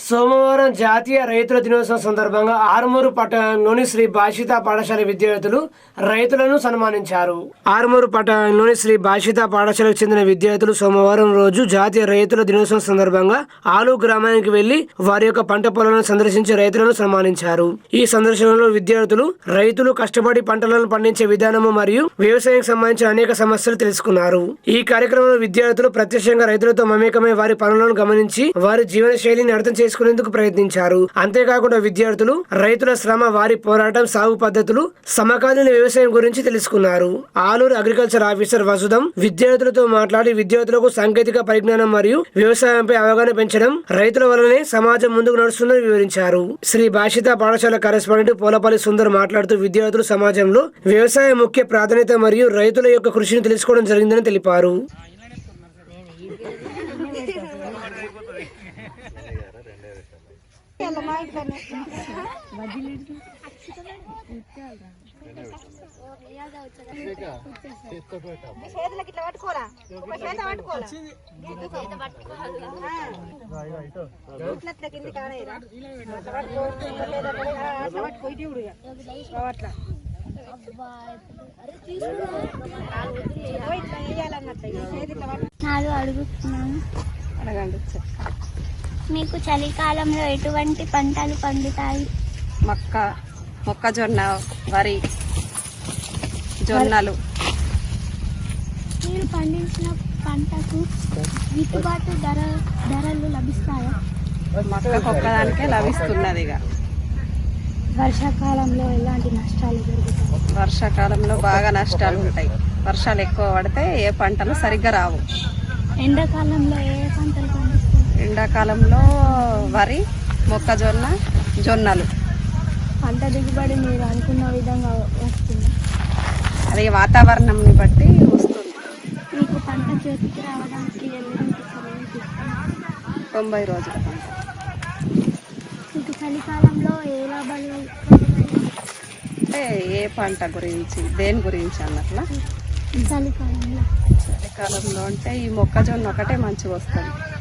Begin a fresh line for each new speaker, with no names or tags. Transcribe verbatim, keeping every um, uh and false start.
సోమవారం జాతీయ రైతుల దినోత్సవం సందర్భంగా ఆరుమూరు పట్టణంలోని శ్రీ భాషిత పాఠశాల విద్యార్థులు రైతులను సన్మానించారు. ఆరుమూరు పట్టణంలోని శ్రీ భాషిత పాఠశాలకు చెందిన విద్యార్థులు సోమవారం రోజు జాతీయ రైతుల దినోత్సవం సందర్భంగా ఆలు గ్రామానికి వెళ్లి వారి యొక్క పంట పొలాలను సందర్శించి రైతులను సన్మానించారు. ఈ సందర్శనలో విద్యార్థులు రైతులు కష్టపడి పంటలను పండించే విధానము మరియు వ్యవసాయానికి సంబంధించిన అనేక సమస్యలు తెలుసుకున్నారు. ఈ కార్యక్రమంలో విద్యార్థులు ప్రత్యక్షంగా రైతులతో మమేకమై వారి పనులను గమనించి వారి జీవన శైలిని అర్థం చేసుకునేందుకు ప్రయత్నించారు. అంతేకాకుండా విద్యార్థులు రైతుల శ్రమ, వారి పోరాటం, సాగు పద్ధతులు, సమకాలీన వ్యవసాయం గురించి తెలుసుకున్నారు. ఆలూరు అగ్రికల్చర్ ఆఫీసర్ వసుదం విద్యార్థులతో మాట్లాడి విద్యార్థులకు సాంకేతిక పరిజ్ఞానం మరియు వ్యవసాయంపై అవగాహన పెంచడం రైతుల వల్లనే సమాజం ముందుకు నడుస్తుందని వివరించారు. శ్రీ భాషిత పాఠశాల కరెస్పాండెంట్ పోలపల్లి సుందర్ మాట్లాడుతూ విద్యార్థులు సమాజంలో వ్యవసాయ ముఖ్య ప్రాధాన్యత మరియు రైతుల యొక్క కృషిని తెలుసుకోవడం జరిగిందని తెలిపారు.
నాలుగు అడుగుతున్నాను. మీకు చలికాలంలో ఎటువంటి పంటలు పండుతాయి?
మక్క, మొక్కజొన్న, వరి, జొన్నలు.
మీరు పండించిన పంటకు గిట్టుబాటు ధర ధరలు లభిస్తాయా?
మక్కకు ఒక్కదానికే లభిస్తున్నది. ఇక
వర్షాకాలంలో ఎలాంటి నష్టాలు జరుగుతాయి?
వర్షాకాలంలో బాగా నష్టాలు ఉంటాయి. వర్షాలు ఎక్కువ పడితే ఏ పంటలు సరిగ్గా రావు.
ఎండాకాలంలో ఏ పంటలు పండిస్తారు?
ఎండాకాలంలో వరి, మొక్కజొన్న, జొన్నలు.
పంట దిగుబడి మీరు అనుకున్న విధంగా వస్తుంది?
అది వాతావరణంని బట్టి వస్తుంది.
మీకు పంట చేతికి రావడానికి ఎలాంటి సమయం తీసుకుంటుంది?
తొంభై రోజుల పంట.
మీకు చలికాలంలో ఏ లాభాలు?
అంటే ఏ పంట గురించి, దేని గురించి అన్నట్లా?
చలికాలంలో
చలికాలంలో అంటే ఈ మొక్కజొన్న ఒకటే మంచిగా వస్తుంది.